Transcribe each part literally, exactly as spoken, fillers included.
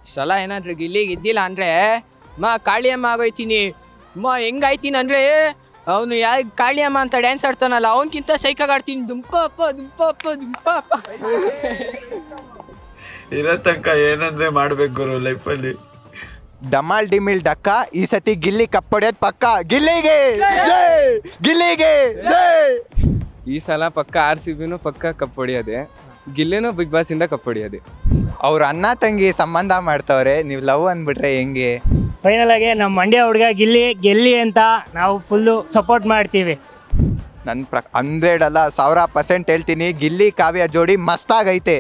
ಸಲ ಏನಾದ್ರು ಗಿಲ್ಲಿಗೆ ಇದ್ದಿಲ್ಲ ಅಂದರೆ ಮಾ ಕಾಳಿಯಮ್ಮ ಆಗೋಯ್ತೀನಿ. ಮಾ ಹೆಂಗಾಯ್ತೀನಿ ಅಂದರೆ ಅವನು ಯಾ ಕಾಳಿಯಮ್ಮ ಅಂತ ಡ್ಯಾನ್ಸ್ ಆಡ್ತಾನಲ್ಲ ಅವನಕ್ಕಿಂತ ಸೈಕಾಗಿ ಆಡ್ತೀನಿ. ದುಂಪ ಅಪ್ಪ ದುಂಪ ಅಪ್ಪ ದುಂಪ ಅಪ್ಪ ಇರೋ ತನಕ ಏನಂದ್ರೆ ಮಾಡ್ಬೇಕು ಗುರು ಲೈಫಲ್ಲಿ. ಡಮಾಲ್ ಡಿಮಿಲ್ ಡಕ್ಕ ಈ ಸತಿ ಗಿಲ್ಲಿ ಕಪ್ಪೊಡೆಯೋದು ಪಕ್ಕ. ಗಿಲ್ಲಿಗೆ ಜೈ! ಗಿಲ್ಲಿಗೆ ಜೈ! ಈ ಸಲ ಪಕ್ಕ ಆರ್ ಸಿ ಬಿನೂ ಪಕ್ಕ ಕಪ್ ಹೊಡಿಯೋದೆ, ಗಿಲ್ಲಿನೂ ಬಿಗ್ ಬಾಸ್ ಇಂದ ಕಪ್ ಹೊಡಿಯೋದೆ. ಅವ್ರ ಅಣ್ಣ ತಂಗಿ ಸಂಬಂಧ ಮಾಡ್ತವ್ರೆ, ನೀವು ಲವ್ ಅಂದ್ಬಿಟ್ರೆ ಹೆಂಗೆ? ಫೈನಲ್ ಆಗಿ ನಮ್ಮ ಮಂಡ್ಯ ಹುಡುಗ ಗಿಲ್ಲಿ ಗೆಲ್ಲಿ ಅಂತ ನಾವು ಫುಲ್ಲು ಸಪೋರ್ಟ್ ಮಾಡ್ತೀವಿ. ನನ್ನ ಪ್ರ ಹಂಡ್ರೆಡ್ ಅಲ್ಲ ಸಾವಿರ ಪರ್ಸೆಂಟ್ ಹೇಳ್ತೀನಿ, ಗಿಲ್ಲಿ ಕಾವ್ಯ ಜೋಡಿ ಮಸ್ತಾಗೈತೆ.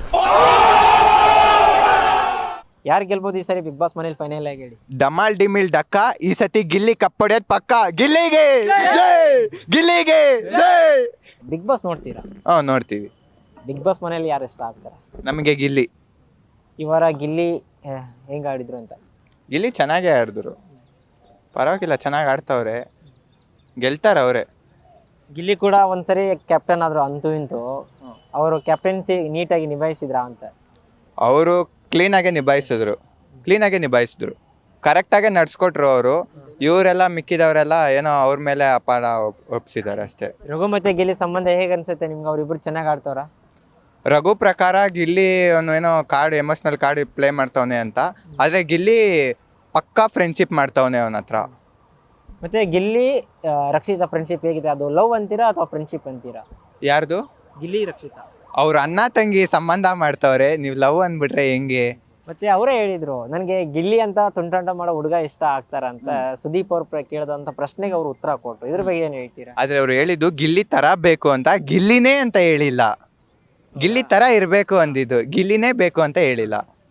ಯಾರು ಗೆಲ್ಬೋದು ಈ ಸರಿ ಬಿಗ್ ಬಾಸ್ ಮನೇಲಿ ಫೈನಲ್ ಆಗಿ ಹೇಳಿ? ಡಮಾಲ್ ಡಿಮಿಲ್ ಡಕ್ಕ ಈ ಸತಿ ಗಿಲ್ಲಿ ಕಪ್ಪೊಡೆಯೋದು ಪಕ್ಕ. ಗಿಲ್ಲಿಗೆ ಜೈ! ಗಿಲ್ಲಿಗೆ ಜೈ! ಬಿಗ್ ಬಾಸ್ ನೋಡ್ತೀರಾ? ಹ್ಞೂ ನೋಡ್ತೀವಿ. ಬಿಗ್ ಬಾಸ್ ಮನೇಲಿ ಯಾರು ಇಷ್ಟ ಆಗ್ತಾರೆ? ನಮಗೆ ಗಿಲ್ಲಿ. ಈ ವಾರ ಗಿಲ್ಲಿ ಹೆಂಗೆ ಆಡಿದ್ರು ಅಂತ? ಗಿಲ್ಲಿ ಚೆನ್ನಾಗೇ ಆಡಿದ್ರು, ಪರವಾಗಿಲ್ಲ, ಚೆನ್ನಾಗಿ ಆಡ್ತವ್ರೆ, ಗೆಲ್ತಾರೆ ಅವರೇ. ಗಿಲ್ಲಿ ಕೂಡ ಒಂದ್ಸರಿ ಕ್ಯಾಪ್ಟನ್ ಆದ್ರು ಅಂತೂ ಇಂತೂ. ಅವರು ಕ್ಯಾಪ್ಟನ್ಸಿ ನೀಟಾಗಿ ನಿಭಾಯಿಸಿದ್ರಾ ಅಂತ? ಅವರು ಕ್ಲೀನಾಗೆ ನಿಭಾಯಿಸಿದ್ರು, ಕ್ಲೀನಾಗೆ ನಿಭಾಯಿಸಿದ್ರು, ಕರೆಕ್ಟಾಗೆ ನಡ್ಸ್ಕೊಟ್ರು ಅವರು. ಇವರೆಲ್ಲ ಮಿಕ್ಕಿದವರೆಲ್ಲ ಏನೋ ಅವ್ರ ಮೇಲೆ ಅಪಾರ ಒಪ್ಸಿದ್ದಾರೆ ಅಷ್ಟೇ. ರಘು ಮತ್ತೆ ಗಿಲ್ಲಿ ಸಂಬಂಧ ಹೇಗೆ ಅನ್ಸುತ್ತೆ ನಿಮ್ಗೆ? ಅವ್ರಿಬ್ರು ಚೆನ್ನಾಗಿ ಆಡ್ತವ್ರ? ರಘು ಪ್ರಕಾರ ಗಿಲ್ಲಿ ಅವನು ಏನೋ ಕಾರ್ಡ್ ಎಮೋಷ್ನಲ್ ಕಾರ್ಡ್ ಪ್ಲೇ ಮಾಡ್ತವನೆ ಅಂತ, ಆದರೆ ಗಿಲ್ಲಿ ಪಕ್ಕಾ ಫ್ರೆಂಡ್ಶಿಪ್ ಮಾಡ್ತವನೆ ಅವನ ಹತ್ರ. ಮತ್ತೆ ಗಿಲ್ಲಿ ಆ, ರಕ್ಷಿತಾ ಫ್ರೆಂಡ್ಶಿಪ್ ಹೇಗಿದೆ? ಅದು ಲವ್ ಅಂತೀರಾ ಅಥವಾ ಫ್ರೆಂಡ್ಶಿಪ್ ಅಂತೀರಾ? ಯಾರ್ದು? ಗಿಲ್ಲಿ ರಕ್ಷಿತಾ ಅವ್ರ ಅಣ್ಣ ತಂಗಿ ಸಂಬಂಧ ಮಾಡ್ತವ್ರೆ, ನೀವು ಲವ್ ಅಂದ್ಬಿಟ್ರೆ ಹೆಂಗೆ? ಮತ್ತೆ ಅವರೇ ಹೇಳಿದ್ರು ನನಗೆ ಗಿಲ್ಲಿ ಅಂತ ತುಂಟಾಟ ಮಾಡೋ ಹುಡುಗ ಇಷ್ಟ ಆಗ್ತಾರ ಅಂತ. ಸುದೀಪ್ ಅವ್ರು ಕೇಳಿದಂತ ಪ್ರಶ್ನೆಗೆ ಅವ್ರು ಉತ್ತರ ಕೊಟ್ರು. ಇದ್ರ ಬಗ್ಗೆ ಏನ್ ಹೇಳ್ತೀರಾ? ಆದ್ರೆ ಅವ್ರು ಹೇಳಿದ್ದು ಗಿಲ್ಲಿ ತರ ಬೇಕು ಅಂತ, ಗಿಲ್ಲಿನೇ ಅಂತ ಹೇಳಿಲ್ಲ. ಗಿಲ್ಲಿ ತರ ಇರ್ಬೇಕು ಅಂದಿದ್ದು, ಗಿಲ್ಲಿನೇ ಬೇಕು ಅಂತ ಹೇಳಿಲ್ಲ.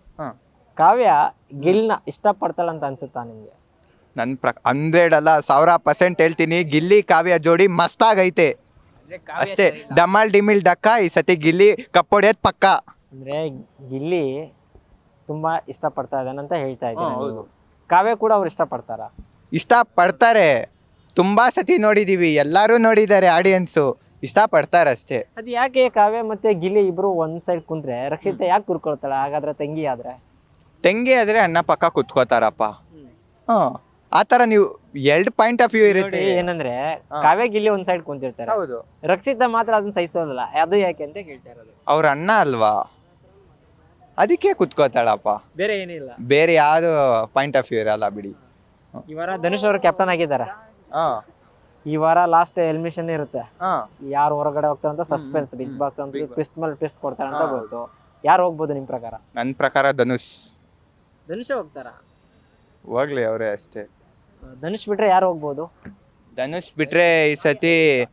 ಕಾವ್ಯ ಗಿಲ್ನ ಇಷ್ಟಪಡ್ತಾಳಂತ ಅನ್ಸುತ್ತಾ ನಿಮ್ಗೆ? ನನ್ನ ಪ್ರ ಹಂಡ್ರೆಡ್ ಅಲ್ಲ ಸಾವಿರ ಪರ್ಸೆಂಟ್ ಹೇಳ್ತೀನಿ, ಗಿಲ್ಲಿ ಕಾವ್ಯ ಜೋಡಿ ಮಸ್ತಾಗೈತೆ ಅಷ್ಟೇ. ಡಮಾಲ್ ಡಿಮಿಲ್ ಡಕ್ಕ ಈ ಸತಿ ಗಿಲ್ಲಿ ಕಪ್ಪೊಡೆಯೋದು ಪಕ್ಕ. ಅಂದ್ರೆ ಗಿಲ್ಲಿ ತುಂಬಾ ಇಷ್ಟಪಡ್ತಾ ಇದ್ದಾನಂತ ಹೇಳ್ತಾ ಇದ್ದೀನಿ. ಕಾವ್ಯ ಕೂಡ ಅವ್ರು ಇಷ್ಟಪಡ್ತಾರ? ಇಷ್ಟ ಪಡ್ತಾರೆ, ತುಂಬಾ ಸತಿ ನೋಡಿದೀವಿ, ಎಲ್ಲರೂ ನೋಡಿದ್ದಾರೆ, ಆಡಿಯನ್ಸು ಇಷ್ಟ ಪಡ್ತಾರೆ ಅಷ್ಟೇ. ಅದು ಯಾಕೆ ಕಾವ್ಯ ಮತ್ತೆ ಗಿಲ್ಲಿ ಇಬ್ರು ಒಂದ್ ಸೈಡ್ ಕುಂತ್ರೆ ರಕ್ಷಿತಾ ಯಾಕೆ ಕೂರ್ಕೊಳ್ತಾಳ? ಹಾಗಾದ್ರೆ ತಂಗಿ ಆದ್ರೆ? ತಂಗಿ ಆದ್ರೆ ಅಣ್ಣ ಪಕ್ಕ ಕುತ್ಕೋತಾರಪ್ಪ. ಹ್ಮ್ ಆ ತರ ನೀವು ಎರಡು ಪಾಯಿಂಟ್ ಆಫ್ ವ್ಯೂ ಇರುತ್ತೆ. ಏನಂದ್ರೆ ಕಾವ್ಯ ಗಿಲ್ಲಿ ಒಂದ್ ಸೈಡ್ ಕುಂತಿರ್ತಾರೆ, ಹೌದು, ರಕ್ಷಿತಾ ಮಾತ್ರ ಅದನ್ನ ಸಹಿಸೋದಿಲ್ಲ. ಅದು ಯಾಕೆ ಅಂತ ಕೇಳ್ತಾ ಇರೋದು. ಅವ್ರ ಅಣ್ಣ ಅಲ್ವಾ, ಅದಕ್ಕೆ ಕುತ್ಕೋತಾಳಪ್ಪ, ಬೇರೆ ಏನಿಲ್ಲ. ಬೇರೆ ಯಾವ್ದು ಪಾಯಿಂಟ್ ಆಫ್ ವ್ಯೂ ಇರಲ್ಲ ಬಿಡಿ. ಈ ವಾರ ಧನುಷ್ ಅವರು ಕ್ಯಾಪ್ಟನ್ ಆಗಿದ್ದಾರೆ. ಈ ವಾರ ಲಾಸ್ಟ್ ಎಲಿಮಿನೇಷನ್ ಇರುತ್ತೆ, ಯಾರು ಹೊರಗಡೆ ಹೋಗ್ತಾರೆ ಅಂತ ಸಸ್ಪೆನ್ಸ್. ಬಿಗ್ ಬಾಸ್ ಅಂತ ಟ್ವಿಸ್ಟ್ ಮೇಲೆ ಟ್ವಿಸ್ಟ್ ಕೊಡ್ತಾರೆ ಅಂತ ಗೊತ್ತು. ಯಾರು ಹೋಗ್ಬೋದು ನಿಮ್ ಪ್ರಕಾರ? ನನ್ನ ಪ್ರಕಾರ ಧನುಷ್. ಧನುಷ್ ಹೋಗ್ತಾರ? ಹೋಗ್ಲಿ ಅವರೇ ಅಷ್ಟೇ. ಧನುಷ್ ಬಿಟ್ರೆ ಯಾರು ಹೋಗ್ಬೋದು? ಧನುಷ್ ಬಿಟ್ರೆ ಈ ಸತಿ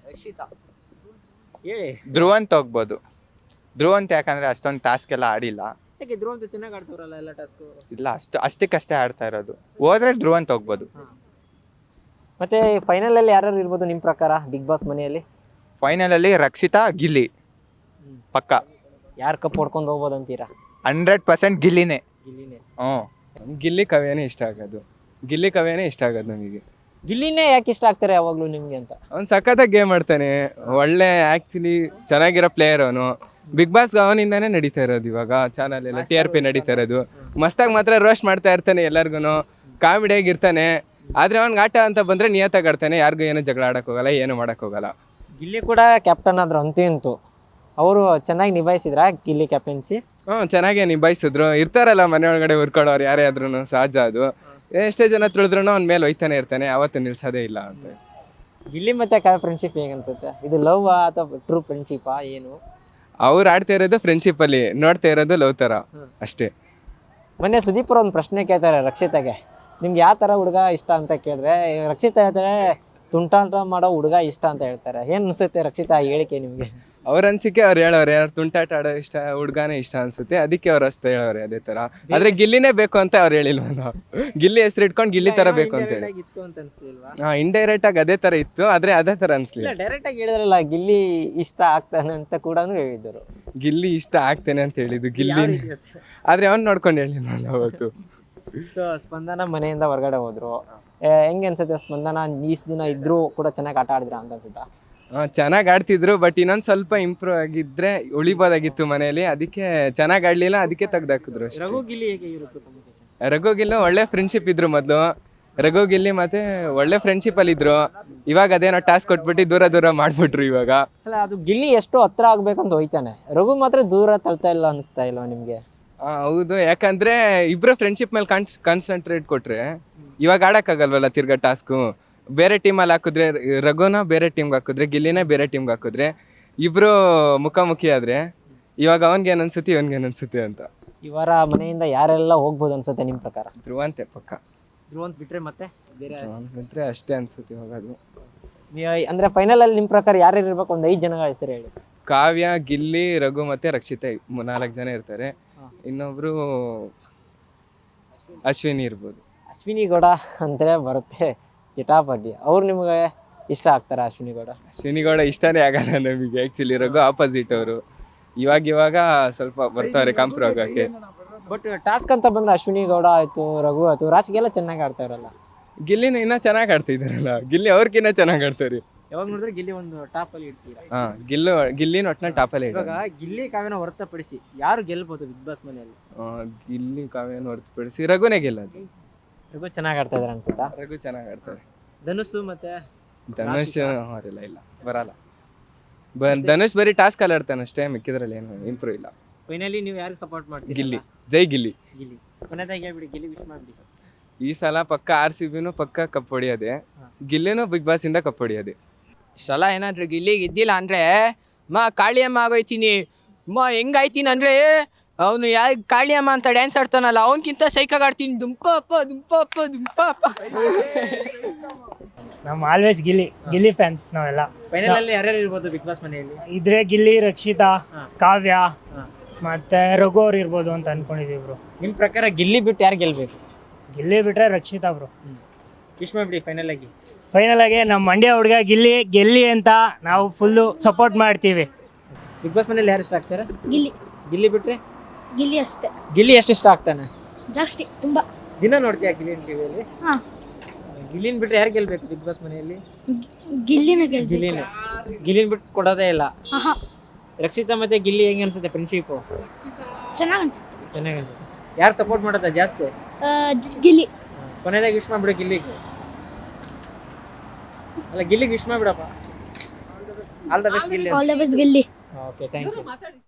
ಹೇಳಿ. ಧ್ರುವಂತ್ ಹೋಗ್ಬೋದು. ಧ್ರುವಂತ್ ಯಾಕಂದ್ರೆ ಅಷ್ಟೊಂದು ಟಾಸ್ಕ್ ಎಲ್ಲ ಆಡಿಲ್ಲ. ಯಾಕೆ ಧ್ರುವಂತ ಚೆನ್ನಾಗಿ ಆಡ್ತಾರಲ್ಲ ಎಲ್ಲ ಟಾಸ್ಕ್? ಇಲ್ಲ, ಅಷ್ಟು ಅಷ್ಟಕ್ಕಷ್ಟೇ ಆಡ್ತಾ ಇರೋದು. ಹೋದ್ರೆ ಧ್ರುವಂತ್ ಹೋಗ್ಬೋದು. ಮತ್ತೆ ಫೈನಲ್ ಅಲ್ಲಿ ಯಾರು ಇರ್ಬೋದು ನಿಮ್ ಪ್ರಕಾರ ಬಿಗ್ ಬಾಸ್ ಮನೆಯಲ್ಲಿ? ಫೈನಲ್ ಅಲ್ಲಿ ರಕ್ಷಿತಾ ಗಿಲ್ಲಿ ಪಕ್ಕ. ಯಾರು ಕಪ್ ಹೊಡ್ಕೊಂಡು ಹೋಗ್ಬೋದು ಅಂತೀರಾ? ಹಂಡ್ರೆಡ್ ಪರ್ಸೆಂಟ್ ಗಿಲ್ಲಿನೇ. ಗಿಲ್ಲಿನೇ. ಹ್ಞೂ ಗಿಲ್ಲಿ ಕವ್ಯನೇ ಇಷ್ಟ ಆಗೋದು, ಗಿಲ್ಲಿ ಕವ್ಯನೇ ಇಷ್ಟ ಆಗೋದು ನಮಗೆ. ಗಿಲ್ಲಿನೇ ಯಾಕೆ ಇಷ್ಟ ಆಗ್ತಾರೆ ಯಾವಾಗ್ಲೂ ನಿಮ್ಗೆ ಅಂತ? ಅವ್ನು ಸಖತ್ತಾಗಿ ಗೇಮ್ ಆಡ್ತಾನೆ, ಒಳ್ಳೆ ಆ್ಯಕ್ಚುಲಿ ಚೆನ್ನಾಗಿರೋ ಪ್ಲೇಯರ್ ಅವನು. ಬಿಗ್ ಬಾಸ್ ಅವನಿಂದಾನೇ ನಡೀತಾ ಇರೋದು ಇವಾಗ ಚಾನಲ್ ಎಲ್ಲ, ಟಿ ಆರ್ ಪಿ ನಡೀತಾ ಇರೋದು. ಮಸ್ತಾಗಿ ಮಾತ್ರ ರೋಸ್ಟ್ ಮಾಡ್ತಾ ಇರ್ತಾನೆ ಎಲ್ಲರಿಗೂ, ಕಾಮಿಡಿಯಾಗಿ ಇರ್ತಾನೆ. ಆದರೆ ಅವ್ನಿಗೆ ಆಟ ಅಂತ ಬಂದರೆ ನಿಯತ್ತಾಗಿ ಆಡ್ತಾನೆ, ಯಾರಿಗೂ ಏನೂ ಜಗಳ ಆಡಕ್ಕೆ ಹೋಗಲ್ಲ, ಏನು ಮಾಡಕ್ಕೆ ಹೋಗಲ್ಲ. ಗಿಲ್ಲಿ ಕೂಡ ಕ್ಯಾಪ್ಟನ್ ಆದ್ರು ಅಂತೂ ಇಂತೂ. ಅವರು ಚೆನ್ನಾಗಿ ನಿಭಾಯಿಸಿದ್ರ ಗಿಲ್ಲಿ ಕ್ಯಾಪ್ಟನ್ಸಿ? ಹ್ಞೂ ಚೆನ್ನಾಗೇ ನಿಭಾಯಿಸಿದ್ರು. ಇರ್ತಾರಲ್ಲ ಮನೆ ಒಳಗಡೆ ಹುರ್ಕೊಳ್ಳೋರು ಯಾರೇ ಆದ್ರೂ, ಸಹಜ ಅದು. ಎಷ್ಟೇ ಜನ ತುಳಿದ್ರೂ ಅವ್ನ ಮೇಲೆ ಒಯ್ತಾನೆ ಇರ್ತಾನೆ, ಅವತ್ತು ನಿಲ್ಸೋದೇ ಇಲ್ಲ ಅಂತ. ಗಿಲ್ಲಿ ಮತ್ತೆ ಕಾವ್ಯ ಫ್ರೆಂಡ್ಶಿಪ್ ಹೇಗೆ ಅನ್ಸುತ್ತೆ? ಇದು ಲವ್ ಅಥವಾ ಟ್ರೂ ಫ್ರೆಂಡ್ಶಿಪ್ಪಾ ಏನು? ಅವ್ರು ಆಡ್ತಾ ಇರೋದು ಫ್ರೆಂಡ್ಶಿಪ್ಪಲ್ಲಿ, ನೋಡ್ತಾ ಇರೋದು ಲವ್ ಥರ ಅಷ್ಟೇ. ಮೊನ್ನೆ ಸುದೀಪ್ ಅವ್ರು ಒಂದು ಪ್ರಶ್ನೆ ಕೇಳ್ತಾರೆ ರಕ್ಷಿತಾಗೆ, ನಿಮ್ಗೆ ಯಾವ ಥರ ಹುಡುಗ ಇಷ್ಟ ಅಂತ ಕೇಳಿದ್ರೆ ರಕ್ಷಿತಾ ಹೇಳ್ತಾರೆ ತುಂಟಾಟ ಮಾಡೋ ಹುಡುಗ ಇಷ್ಟ ಅಂತ ಹೇಳ್ತಾರೆ. ಏನು ಅನ್ಸುತ್ತೆ ರಕ್ಷಿತಾ ಈ ಹೇಳಿಕೆ ನಿಮಗೆ? ಅವ್ರ ಅನ್ಸಿಕೆ ಅವ್ರು ಹೇಳೋರೆ, ಯಾರು ತುಂಟಾಟ ಆಡೋ ಇಷ್ಟ ಹುಡುಗಾನೇ ಇಷ್ಟ ಅನ್ಸುತ್ತೆ, ಅದಕ್ಕೆ ಅವ್ರು ಅಷ್ಟು ಹೇಳೋರೆ ಅದೇ ಥರ. ಆದರೆ ಗಿಲ್ಲಿನೇ ಬೇಕು ಅಂತ ಅವ್ರು ಹೇಳಿಲ್ವ, ನಾವು ಗಿಲ್ಲಿ ಹೆಸರು ಇಟ್ಕೊಂಡು ಗಿಲ್ಲಿ ಥರ ಬೇಕು ಅಂತ ಹೇಳಿ. ಹಾಂ, ಇಂಡೈರೆಕ್ಟ್ ಆಗಿ ಅದೇ ಥರ ಇತ್ತು, ಆದರೆ ಅದೇ ಥರ ಅನ್ಸ್ಲಿಲ್ಲ. ಡೈರೆಕ್ಟ್ ಆಗಿ ಹೇಳಿದ್ರಲ್ಲ ಗಿಲ್ಲಿ ಇಷ್ಟ ಆಗ್ತಾನೆ ಅಂತ ಕೂಡ ಹೇಳಿದ್ರು. ಗಿಲ್ಲಿ ಇಷ್ಟ ಆಗ್ತೇನೆ ಅಂತ ಹೇಳಿದ್ದು ಗಿಲ್ಲಿ, ಆದರೆ ಅವ್ನು ನೋಡ್ಕೊಂಡು ಹೇಳಿಲ್ಲ ನಾನು ಅವತ್ತು. ಸೊ ಸ್ಪಂದನ ಮನೆಯಿಂದ ಹೊರಗಡೆ ಹೋದ್ರು, ಹೆಂಗೆ ಅನ್ಸುತ್ತೆ ಸ್ಪಂದನ? ಈಸ್ ದಿನ ಇದ್ರೂ ಕೂಡ ಚೆನ್ನಾಗಿ ಆಟ ಆಡಿದ್ರ ಅಂತ ಅನ್ಸುತ್ತಾ? ಚೆನ್ನಾಗಿ ಆಡ್ತಿದ್ರು ಬಟ್ ಇನ್ನೊಂದು ಸ್ವಲ್ಪ ಇಂಪ್ರೂವ್ ಆಗಿದ್ರೆ ಉಳಿಬೋದಾಗಿತ್ತು ಮನೆಯಲ್ಲಿ. ಅದಕ್ಕೆ ಚೆನ್ನಾಗಿ ಆಡ್ಲಿಲ್ಲ, ಅದಕ್ಕೆ ತೆಗ್ದಾಕಿದ್ರು ಅಷ್ಟೇ. ರಘು ಗಿಲ್ಲಿ ಹೇಗೆ ಇರುತ್ತೆ communication? ರಘು ಗಿಲ್ಲು ಒಳ್ಳೆ ಫ್ರೆಂಡ್ಶಿಪ್ ಇದ್ರು ಮೊದಲು. ರಘು ಗಿಲ್ಲಿ ಮತ್ತೆ ಒಳ್ಳೆ ಫ್ರೆಂಡ್ಶಿಪ್ ಅಲ್ಲಿ ಇದ್ರು. ಇವಾಗ ಅದೇನೋ ಟಾಸ್ಕ್ ಕೊಟ್ಬಿಟ್ಟು ದೂರ ದೂರ ಮಾಡ್ಬಿಟ್ರು ಇವಾಗ. ಅಲ್ಲ ಅದು ಗಿಲ್ಲಿ ಎಷ್ಟು ಹತ್ರ ಆಗ್ಬೇಕಂತ ಹೋಯ್ತಾನೆ, ರಘು ಮಾತ್ರ ದೂರ ತಳ್ತಾ ಇಲ್ಲ ಅನಿಸ್ತಾ ಇಲ್ವಾ ನಿಮ್ಗೆ? ಆ, ಹೌದು, ಯಾಕಂದ್ರೆ ಇಬ್ರು ಫ್ರೆಂಡ್ಶಿಪ್ ಮೇಲೆ ಕಾನ್ಸ್ ಕಾನ್ಸಂಟ್ರೇಟ್ ಕೊಟ್ರೆ ಇವಾಗ ಆಡಕ್ಕಾಗಲ್ವಲ್ಲ ತಿರ್ಗಾ ಟಾಸ್ಕು. ಬೇರೆ ಟೀಮಲ್ಲಿ ಹಾಕಿದ್ರೆ ರಘುನ ಬೇರೆ ಟೀಮ್ಗೆ ಹಾಕಿದ್ರೆ ಗಿಲ್ಲಿನೇ ಬೇರೆ ಟೀಮ್ಗೆ ಹಾಕಿದ್ರೆ ಇಬ್ರು ಮುಖಾಮುಖಿ ಆದ್ರೆ ಇವಾಗ ಅವನ್ಗೆ ಏನ್ ಅನ್ಸುತ್ತೆ ಇವನ್ಗೆ ಏನ್ ಅನ್ಸುತ್ತೆ ಅಂತ. ಇವರ ಮನೆಯಿಂದ ಯಾರೆಲ್ಲ ಹೋಗ್ಬೋದು ಅನ್ಸುತ್ತೆ ನಿಮ್ ಪ್ರಕಾರ? ಧ್ರುವಂತೆ ಪಕ್ಕ. ಧ್ರುವಂತ್ ಬಿಟ್ರೆ ಮತ್ತೆ ಬೇರೆ ಬಿಟ್ರೆ ಅಷ್ಟೇ ಅನ್ಸುತ್ತೆ ಇವಾಗ ಅದು. ನೀವ್- ಅಂದ್ರೆ ಫೈನಲ್ ಅಲ್ಲಿ ನಿಮ್ ಪ್ರಕಾರ ಯಾರ್ಯಾರು ಇರ್ಬೇಕು? ಒಂದ್ ಐದ್ ಜನಗಳ ಹೆಸರು ಹೇಳಿ. ಕಾವ್ಯ, ಗಿಲ್ಲಿ, ರಘು ಮತ್ತೆ ರಕ್ಷಿತಾ ನಾಲ್ಕು ಜನ ಇರ್ತಾರೆ. ಇನ್ನೊಬ್ರು ಅಶ್ವಿನಿ ಇರ್ಬೋದು. ಅಶ್ವಿನಿ ಗೌಡ ಅಂದ್ರೆ ಬರುತ್ತೆ ಚಿಟಾಪಟಿ, ಅವ್ರು ನಿಮ್ಗೆ ಇಷ್ಟ ಆಗ್ತಾರ? ಅಶ್ವಿನಿ ಗೌಡ ಅಶ್ವಿನಿ ಗೌಡ ಇಷ್ಟನೇ ಆಗಲ್ಲ ನಮಗೆ ಆ್ಯಕ್ಚುಲಿ. ರಘು ಆಪೋಸಿಟ್ ಅವರು. ಇವಾಗ ಇವಾಗ ಸ್ವಲ್ಪ ಬರ್ತಾರೆ ಕಾಂಪ್ರೋ ಆಗೋಕ್ಕೆ. ಬಟ್ ಟಾಸ್ಕ್ ಅಂತ ಬಂದ್ರೆ ಅಶ್ವಿನಿ ಗೌಡ ಆಯ್ತು, ರಘು ಆಯ್ತು, ರಾಜ್ಗೆಲ್ಲ ಚೆನ್ನಾಗಿ ಆಡ್ತಾ ಇರಲ್ಲ. ಗಿಲ್ಲಿನ ಇನ್ನೂ ಚೆನ್ನಾಗಿ ಆಡ್ತಿದ್ದಾರಲ್ಲ. ಗಿಲ್ಲಿ ಅವ್ರಿಗಿನ್ನ ಚೆನ್ನಾಗಿ ಆಡ್ತಾರೆ. ಯಾವಾಗ ನೋಡಿದ್ರೆ ಗಿಲ್ಲಿ ಒಂದು ಟಾಪ್ ಅಲ್ಲಿ ಇಡ್ತೀರಾ? ಹಾ, ಗಿಲ್ಲು ಗಿಲ್ಲಿನ ಒಟ್ಟಿನಲ್ಲಿ ಟಾಪಲ್ಲೇ ಇವಾಗ ಗಿಲ್ಲಿ ಕಾವ್ಯನ ಹೊರತುಪಡಿಸಿ ಯಾರು ಗೆಲ್ಬಹುದು ಬಿಗ್ ಬಾಸ್ ಮನೆಯಲ್ಲಿ? ಗಿಲ್ಲಿ ಕಾವ್ಯನ ಹೊರತುಪಡಿಸಿ ರಘುನೇ ಗೆಲ್ಲೋದು. ರಘು ಚೆನ್ನಾಗಿ ಆಡ್ತಾ ಇದಾರೆ ಅನ್ಸುತ್ತಾ? ರಘು ಚೆನ್ನಾಗಿ ಆಡ್ತಾರೆ. ಧನುಷ್ ಮತ್ತೆ ಧನುಷ್ ಅವರೆಲ್ಲ ಇಲ್ಲ, ಬರಲ್ಲ. ಬ ಧನುಷ್ ಬರೀ ಟಾಸ್ಕ್ ಅಲ್ಲಿ ಆಡ್ತಾನೆ ಅಷ್ಟೇ, ಮಿಕ್ಕಿದ್ರಲ್ಲಿ ಏನು ಇಂಪ್ರೂವ್ ಇಲ್ಲ. ಫೈನಲಿ ನೀವು ಯಾರಿಗೆ ಸಪೋರ್ಟ್ ಮಾಡ್ತೀರಿ? ಗಿಲ್ಲಿ, ಜೈ ಗಿಲ್ಲಿ. ಗಿಲ್ಲಿ ಕೊನೆದಾಗಿ ಹೇಳ್ಬಿಡಿ, ಗಿಲ್ಲಿ ವಿಶ್ ಮಾಡ್ಬಿಡಿ. ಈ ಸಲ ಪಕ್ಕ ಆರ್ ಸಿ ಬಿನೂ ಪಕ್ಕ ಕಪ್ ಹೊಡಿಯೋದೆ, ಗಿಲ್ಲಿನೂ ಬಿಗ್ ಬಾಸ್ ಇಂದ ಕಪ್ ಹೊಡಿಯೋದೆ. ಸಲ ಏನಾದ್ರು ಗಿಲ್ಲಿಗೆ ಇದ್ದಿಲ್ಲ ಅಂದ್ರೆ ಮಾ ಕಾಳಿಯಮ್ಮ ಆಗೋಯ್ತೀನಿ. ಮಾ ಹೆಂಗಾಯ್ತೀನಿ ಅಂದ್ರೆ ಅವನು ಯಾ ಕಾಳಿಯಮ್ಮ ಅಂತ ಡ್ಯಾನ್ಸ್ ಆಡ್ತಾನಲ್ಲ ಅವನಕ್ಕಿಂತ ಸೈಕಾಗಿ ಆಡ್ತೀನಿ. ದುಂಪ ಅಪ್ಪ ದುಂಪ ಅಪ್ಪ ದುಂಪ ಅಪ್ಪ. ನಮ್ಮ ಆಲ್ವೇಸ್ ಗಿಲ್ಲಿ ಗಿಲ್ಲಿ ಫ್ಯಾನ್ಸ್ ನಾವೆಲ್ಲ. ಫೈನಲ್ ಅಲ್ಲಿ ಯಾರ್ಯಾರು ಇರ್ಬೋದು ಬಿಗ್ ಬಾಸ್ ಮನೆಯಲ್ಲಿ? ಇದ್ರೆ ಗಿಲ್ಲಿ, ರಕ್ಷಿತಾ, ಹಾ. ಕಾವ್ಯ ಹಾ. ಮತ್ತೆ ರಘು ಅವ್ರು ಇರ್ಬೋದು ಅಂತ ಅನ್ಕೊಂಡಿದೀವಿ ಬ್ರೋ. ನಿಮ್ ಪ್ರಕಾರ ಗಿಲ್ಲಿ ಬಿಟ್ಟು ಯಾರು ಗೆಲ್ಬೇಕು? ಗಿಲ್ಲಿ ಬಿಟ್ರೆ ರಕ್ಷಿತಾ ಬ್ರೋ. ವಿಶ್ ಮಾಡ್ಬಿಡಿ ಫೈನಲ್ ಆಗಿ. ಫೈನಲ್ ಆಗಿ ನಮ್ಮ ಮಂಡ್ಯ ಹುಡುಗ ಗಿಲ್ಲಿ ಗೆಲ್ಲಿ ಅಂತ ನಾವು ಫುಲ್ಲು ಸಪೋರ್ಟ್ ಮಾಡ್ತೀವಿ. ಬಿಗ್ ಬಾಸ್ ಮನೇಲಿ ಯಾರು ಇಷ್ಟ ಆಗ್ತಾರೆ? ಗಿಲ್ಲಿ ಗಿಲ್ಲಿ ಬಿಟ್ರೆ? ಗಿಲ್ಲಿ ಅಷ್ಟೇ, ಗಿಲ್ಲಿ ಎಷ್ಟು ಇಷ್ಟ ಆಗ್ತಾನೆ? ಜಾಸ್ತಿ ತುಂಬಾ. ದಿನ ನೋಡ್ತೀಯ ಗಿಲ್ಲಿನ ಟಿವಿಯಲ್ಲಿ? ಹಾ, ಗಿಲ್ಲಿನ ಬಿಟ್ರೆ ಯಾರು ಗೆಲ್ಬೇಕು ಬಿಗ್ ಬಾಸ್ ಮನೆಯಲ್ಲಿ? ಗಿಲ್ಲಿನ ಗೆಲ್ಬೇಕು. ಗಿಲ್ಲಿನ ಗಿಲ್ಲಿನ ಬಿಟ್ಟು ಕೊಡೋದೇ ಇಲ್ಲ. ಆಹಾ, ರಕ್ಷಿತಾ ಮತ್ತೆ ಗಿಲ್ಲಿ ಹೆಂಗೆ ಅನ್ಸುತ್ತೆ ಫ್ರೆಂಡ್ಶಿಪ್? ಚೆನ್ನಾಗಿ ಅನ್ಸುತ್ತೆ. ಚೆನ್ನಾಗಿ ಅನ್ಸುತ್ತೆ. ಯಾರು ಸಪೋರ್ಟ್ ಮಾಡೋದ ಜಾಸ್ತಿ? ಆ, ಗಿಲ್ಲಿ. ಕೊನೆದಾಗಿ ವಿಶ್ ಮಾಡ್ಬಿಡು ಗಿಲ್ಲಿಗೆ. ಅಲ್ಲ ಗಿಲ್ಲಿಗೆ ವಿಶ್ ಮಾಡ್ಬಿಡಪ್ಪ. All the best Gilli. All the best Gilli. Okay, thank you.